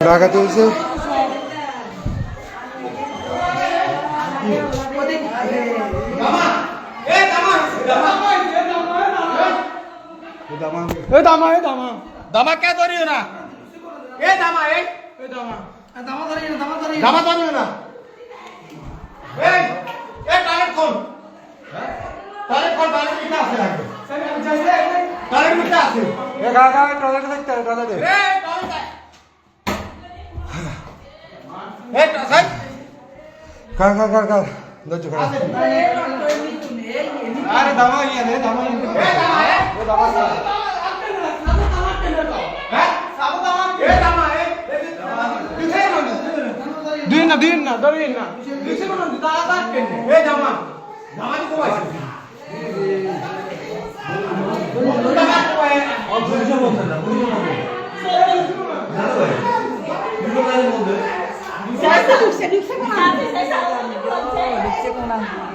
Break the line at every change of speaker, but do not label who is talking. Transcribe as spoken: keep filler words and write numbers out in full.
ডাকাতি হয়েছে
দামা কে ধরিও না এ দামা এই দামা দামা ধরিও না দামা ধরিও দামা ধরিও না এই এ টাইট কোন টাইট কোন টাইট কিটা আছে লাগবে টাইট কিটা আছে
এ গা গা টয়লেটে থাকতে হবে টয়লেটে
এ টাইট এ সাই
কা কা কা কা দজ্জু খা
আরে দামা ইয়া রে দামা ইয়া এ দামা এ দামা দিন না দিন না ধরেন না দিছে কোন দাদা দাদা কেন এ জামা জামা দি কোই দাদা কোই ও ধরে বলতে না বুঝো না জানো ভাই দুটো গাড়ির মধ্যে
Saya tahu, saya duduk sekolah. Saya tahu, saya tahu.